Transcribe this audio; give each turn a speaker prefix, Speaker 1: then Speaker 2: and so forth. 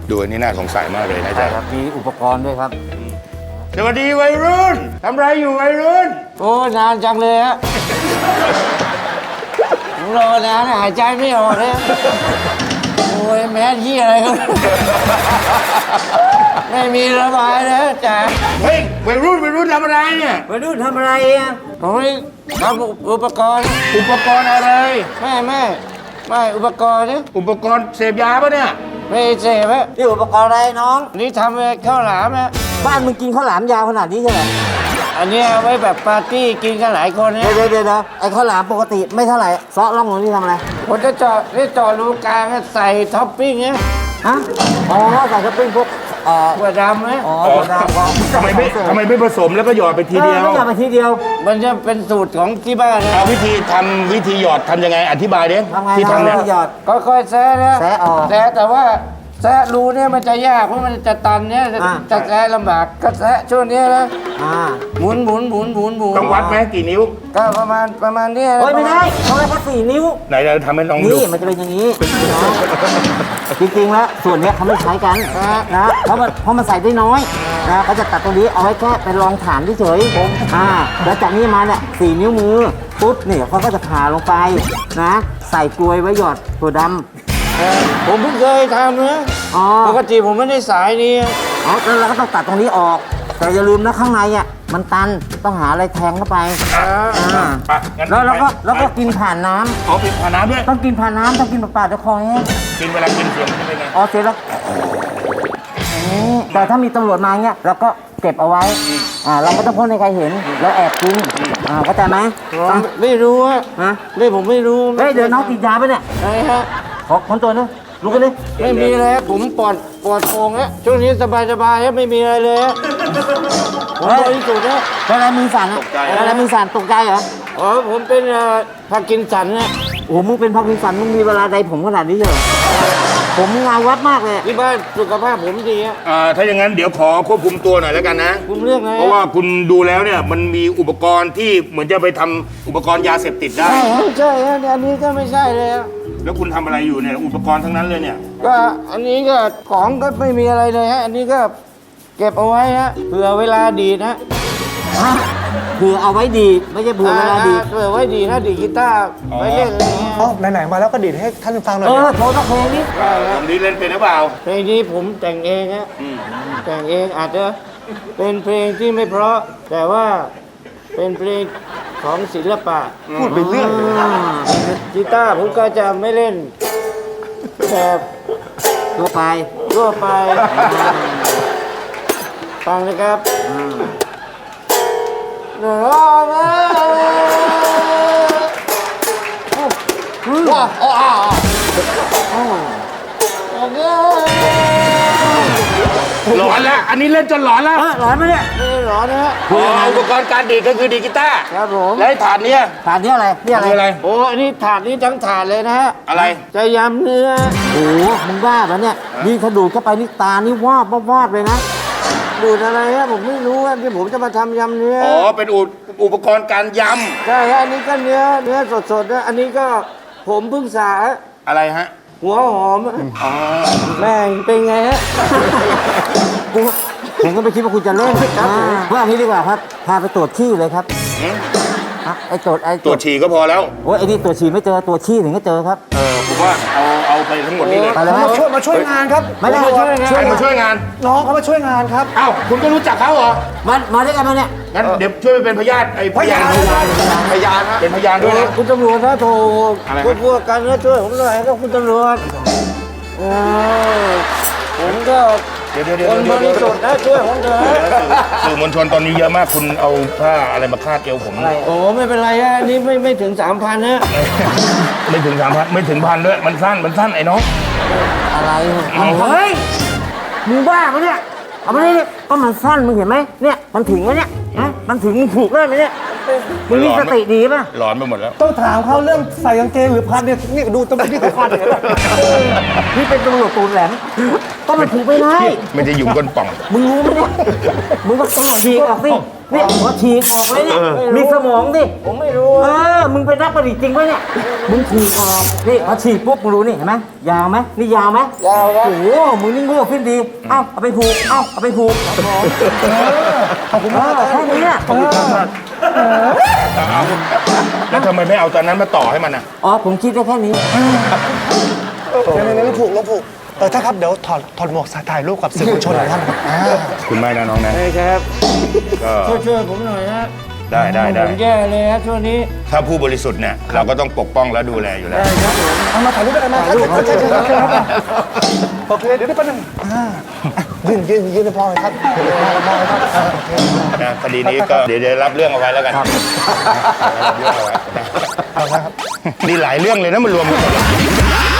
Speaker 1: ดูอันนี้น่าสงสัยมากเลยนะ
Speaker 2: ใช่
Speaker 1: จ๊ะ
Speaker 2: ครับมีอุปกรณ์ด้วยครับ
Speaker 1: สวัสดีวัยรุ่นทำไรอยู่วัยรุ่น
Speaker 2: โอ้นานจังเลยฮะผมรอนานหายใจไม่ออกเลยโอ้ยแม่ที่อะไรครับไม่มีระบายนะจ๋า
Speaker 1: เฮ้ยวัยรุ่นทำอะไรเนี่ย
Speaker 2: ไปดูทำอะไรอ่ะผมทำอุปกรณ์
Speaker 1: อุปกรณ์อะไร
Speaker 2: ไม่อุปกรณ์นี่
Speaker 1: อุปกรณ์เสพยาปะเนี่ย
Speaker 2: ไม่เสพฮะนี่อุปกรณ์อะไรน้องนี่ทำข้าวหลามฮะบ้านมึงกินข้าวหลามยาวขนาดนี้ใช่ไหมอันนี้เอาไว้แบบปาร์ตี้กินกันหลายคนเนี่ยเดี๋ยวไอ้ข้าวหลามปกติไม่เท่าไหร่ซอสล่องหนูนี่ทำอะไรผมจะเจาะรูกลางใส่ท็อปปิ้งเนี่ยฮะอ๋อใส่ท็อปปิ้งพวกถั่วดำไหมอ๋อถั่วดำ
Speaker 1: ทำไมไม่ผสมแล้วก็หยอดไปทีเดียว
Speaker 2: ไม่หยอดไปทีเดียว มันจะเป็นสูตรของที่บ้านนะ
Speaker 1: เอาวิธีหยอดทำยังไงอธิบายดิ
Speaker 2: ทำไง
Speaker 1: ที่ทำเนี่ย
Speaker 2: หยอดค่อยๆแซะนะแซะออกแต่ว่าแซะรูเนี่ยมันจะยากเพราะมันจะตันเนี่ยจะแซะลำบากก็แซะช่วงนี้นะหมุน
Speaker 1: ต้องวัดไหมกี่นิ้ว
Speaker 2: ก็ประมาณนี้ไม่ได้ต้องได้แค่4 นิ้ว
Speaker 1: ไหนเราทำให้ลองดู
Speaker 2: นี่มันจะเป็นอย่างนี้จริงๆแล้วส่วนนี้เขาไม่ใช้กันนะเพราะมันใส่ได้น้อยนะเขาจะตัดตรงนี้เอาไว้แค่เป็นรองฐานเฉยๆแล้วจากนี้มาเนี่ย4 นิ้วมือปุ๊บเนี่ยเขาก็จะผ่าลงไปนะใส่กลวยไว้หยอดถั่วดำผมเพิ่งเคยทำนะปกติผมไม่ได้สายนี้แล้วเราก็ต้องตัดตรงนี้ออกแต่อย่าลืมนะข้างในอ่ะมันตันต้องหาอะไรแทงเข้าไปแล้วก็กินผ่านน้ำ
Speaker 1: กินผ่านน้ำด้วย
Speaker 2: ต้องกินผ่านน้ำต้องกินเปล่าๆจะคอแห้ง
Speaker 1: กินเวลากินเสียงมันจะเป็นไง
Speaker 2: เสร็จแล้วแต่ถ้ามีตำรวจมาเงี้ยเราก็เก็บเอาไว้เราไม่ต้องพ้นให้ใครเห็นเราแอบกินเข้าใจไหมไม่รู้อะผมไม่รู้เดี๋ยวน้องติดยาไปเนี่ยอะไรฮะขอคนตัวนึงลุกกันดิไม่มีอะไรผมปลอดโปร่งฮะช่วงนี้สบายฮะไม่มีอะไรเลยฮะผมบริสุทธิ์ฮะอะไรมือสั่นอะไรมือสั่นตกใจเหรอผมเป็นพาร์กินสันนะโอ้มึงเป็นพาร์กินสันมึงมีเวลาใดผมขนาดนี้เหรอผมเงาวัดมากเลยที่บ้านสุขภาพผมดีฮะ
Speaker 1: ถ้าอย่างนั้นเดี๋ยวขอควบคุมตัวหน่อยแล้วกันนะ
Speaker 2: คุมเรื่องไง
Speaker 1: เพราะว่าคุณดูแล้วเนี่ยมันมีอุปกรณ์ที่เหมือนจะไปทำอุปกรณ์ยาเสพติดได้
Speaker 2: ใช่ฮะอันนี้ก็ไม่ใช่เลย
Speaker 1: แล้วคุณทำอะไรอยู่เนี่ยอุปกรณ์ทั้งนั้นเลยเนี่ย
Speaker 2: ก็อันนี้ก็ของก็ไม่มีอะไรเลยฮะอันนี้ก็เก็บเอาไว้ฮะเผื่อเวลาดีนะเผื่อเอาไว้ดีไม่ใช่เผื่อเวลาดีเผื่อไว้ดีนะดีกีตาร์ไว้เล่นอะไรเงี้ย
Speaker 3: ไหนๆมาแล้วก็ดีดให้ท่านฟังหน่อย
Speaker 2: โทรสักเพลงนี้
Speaker 1: ผมนี้เล่นเป็นหรือเปล่า
Speaker 2: เพลงนี้ผมแต่งเองฮะแต่งเองอาจจะเป็นเพลงที่ไม่เพราะแต่ว่าเป็นเพลงของศิลปะ
Speaker 3: พูดไปเรื่อย
Speaker 2: กีตาร์ผมก็จะไม่เล่นแบบทั่วไปฟังนะครับว้าว
Speaker 1: หลอนแล้วอันนี้เล่นจนหลอนแล้ว
Speaker 2: หลอนไหมเนี่ยไม่หลอนนะฮะ
Speaker 1: อุปกรณ์การดีดก็คือดีดกีตาร์
Speaker 2: ครับผม
Speaker 1: แล้วถาดนี้
Speaker 2: อะไรนี่อะไรโอ้อันนี้ถาดนี้ทั้งถาดเลยนะฮะ
Speaker 1: อะไร
Speaker 2: จะยำเนื้อโอ้มึงบ้าปะเนี่ยนี่ถ้าดูดเข้าไปนี่ตานี่วาบเลยนะดูดอะไรฮะผมไม่รู้ที่ผมจะมาทำยำเนื้อ
Speaker 1: เป็นอุปกรณ์การยำ
Speaker 2: ใช่ฮะอันนี้ก็เนื้อสดๆนะอันนี้ก็ผมเพิ่งสา
Speaker 1: อะไรฮะ
Speaker 2: หัวหอมแม่งเป็นไงฮะผมก็ไม่คิดว่าคุณจะเล่นว่าอันนี้ดีกว่าครับพาไปตรวจขี้เลยครับตรวจ
Speaker 1: ฉี่ก็พอแล้ว
Speaker 2: โอ้ยไอ้นี่ตรวจฉี่ไม่เจอตรวจขี้ถึงก็เจอครับ
Speaker 1: ผมว่าเอาไปทั้งหมดนี่เลย
Speaker 3: มาช่วยงานครับ
Speaker 2: ไม่ได้มาช่วยงาน
Speaker 1: ใครมาช่วยงาน
Speaker 3: น้องเขามาช่วยงานครับ
Speaker 1: เอ้าคุณก็รู้จักเขาเหรอ
Speaker 2: มาด้วยกันมาเนี่ย
Speaker 1: งั้นเดี๋ยวช่วยเป็นพยานพยานครับเป็นพยานด้วยนะ
Speaker 2: คุณตำรวจนะโทรพวกกันนะช่วยผมหน่อยครับคุณตำรวจผมก็คนบริสุทธิ์นะช่วยผมเถอะ
Speaker 1: สื่อมวลชนตอนนี้เยอะมากคุณเอาผ้าอะไรมาคาดเอวผม
Speaker 2: โอ้ไม่เป็นไรฮะนี่ไม่ถึง 3,000นะ
Speaker 1: ไม่ถึง 3,000ไม่ถึง1,000ด้วยมันสั้นไอ้น้อง
Speaker 2: อะไรเฮ้ยมึงบ้าปะเนี่ยเอามาดิก็มันสั้นมึงเห็นไหมเนี่ยมันถึงไหมเนี่ยมันถึงผูกได้ไหมเนี่ยมึงมีสติดีป่ะ
Speaker 1: หลอนไปหมดแล้ว
Speaker 3: ต้องถามเขาเรื่องใส่กางเกงหรือพันเนี่ยนี่ดูตำรวจที่เขาพันเนี่ย
Speaker 2: นี่เป็นตำรวจตูนแหลมก็มันถูกไม่ได้
Speaker 1: มันจะอยู่ก้นป่อง
Speaker 2: มึงรู้ไหมเนี่ยมึงก็ฉีกออกสิเนี่ยพอฉีกออกเลยเนี่ยมีสมองดิผมไม่รู้มึงเป็นนักประดิษฐ์จริงปะเนี่ยมึงฉีกออกนี่พอฉีกปุ๊บมึงรู้นี่เห็นไหมยาวไหมนี่ยาวไหมยาวครับโอ้โหมึงนี่โง่ขึ้นดีเอ้าเอาไปผูกเอ้าเอาไปผูกขอบคุณมากแค่นี้
Speaker 1: แล้วทำไมไม่เอาตอนนั้นมาต่อให้มันอ่ะ
Speaker 2: อ๋อผมคิดได้แค่นี้
Speaker 3: ในผูกลงผูกถ้าครับเดี๋ยวถอดหมวกถ่ายรูปกับสื่อมวลชนหน่อยท่านครับ
Speaker 1: คุณไม่นะน้องนะ
Speaker 2: ใช่ครับ
Speaker 1: ก็
Speaker 2: ช่วยผมหน่อยนะ
Speaker 1: ได้
Speaker 2: ผมแย่เลยครับช่วงนี้
Speaker 1: ถ้าผู้บริสุทธิ์เนี่ยเราก็ต้องปกป้องและดูแลอยู่แล้ว
Speaker 3: เอามาถ่ายรูปกันมาครับใช่โอเคเดี๋ยวได้แป๊บนึงยืนให้พ่อเลยครับพ่อเลยครับ
Speaker 1: นะคดีนี้ก็เดี๋ยวรับเรื่องเอาไว้แล้วกันรับเรื่องเอาไว้นี่หลายเรื่องเลยนะมันรวมกันหมดเลย